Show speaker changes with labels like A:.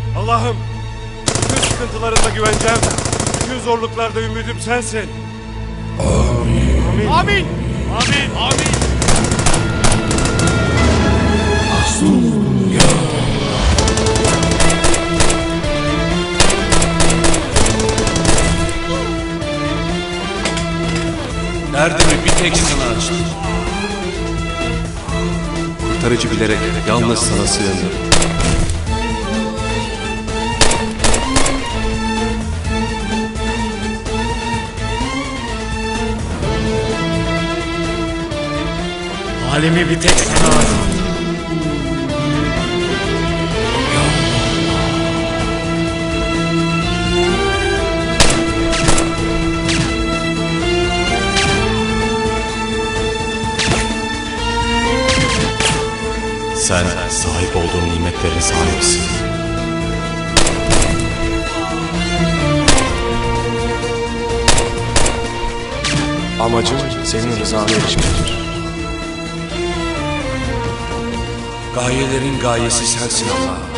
A: Allah'ım, bütün sıkıntılarında güvencem, bütün zorluklarda ümidim sensin.
B: Amin.
A: Amin.
C: Amin. Amin. Amin.
B: Derdimi bir tek sana açtım. Kurtarıcı bilerek yalnız sana sığındım.
C: Halimi bir tek sana arz.
B: Sen sahip olduğum nimetlerin sahibisin. Amacım senin rızana erişmektir. Gayelerin gayesi sensin Allah.